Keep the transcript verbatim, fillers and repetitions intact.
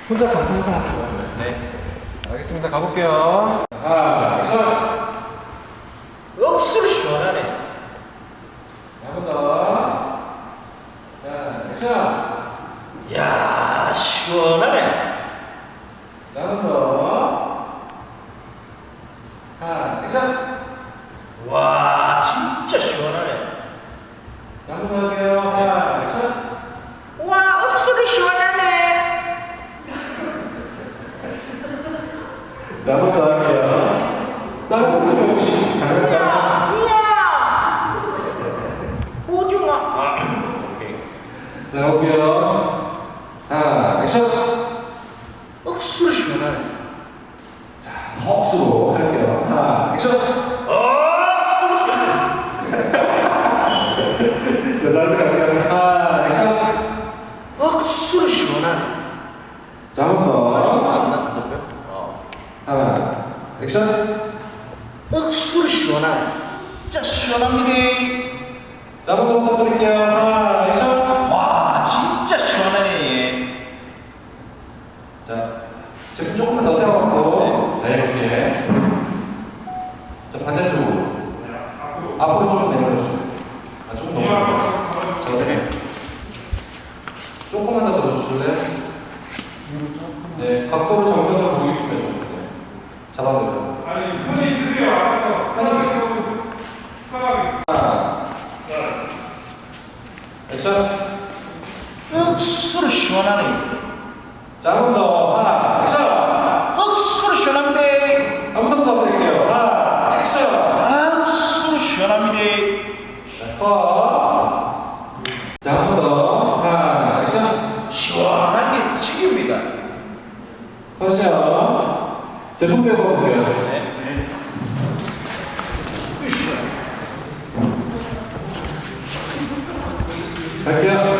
혼자 감탄사 하는 거예요? 네. 알겠습니다. 가볼게요. 아, 액션! 억수로 시원하네. 한 번 더. 자, 액션! 야 시원하네. 자, 한 번 더. 하, 액션! 와 진짜 시원하네. 한 번 더 할게요. 하, 액션! 와 억수로 시원하네. 자, 한 번 더 할게요. 다른 분들 혹시 가능할까요? 이야 오징어. 아, 오케이. 자, 가볼게요. 하, 액션! 억수로 시원하네. 자, 헉수로 할게요. 하, 액션! 억수로 시원하네. 자, 자세 갈게요. 하, 액션! 억수로 시원하네. 자, 한 번 더. 안 나- 안 높여? 어. 하나, 액션! 억수로 시원하네. 진짜 시원합니다. 자, 한 번 더 부탁드릴게요. 하나, 액션! 와 진짜 시원하네 얘. 자, 제품 조금만 더 세워갖고, 네, 이렇게. 자, 반대쪽으로. 앞으로 조금 내밀어주세요. 아, 조금 넘어가요. 자, 네. 조금만 더 들어주실래요? 네, 각도로 정면으로 보이게끔 해줘. 네. 잡아드려요. 아니, 편히 드세요. 알아서. 편하게 먹으세요. 편하게. 하나, 액션! 억수로 시원하네. 자, 한 번 더. 하나, 액션! 억수로 시원합니다. 한 번 더 부탁드릴게요. 하나, 액션! 억수로 시원합니다. 자, 컷. 자, 한 번 더. 하나, 액션! 시원한 게 지깁니다. 컷이요. 제품 배우 볼게요. 네. 갈게요.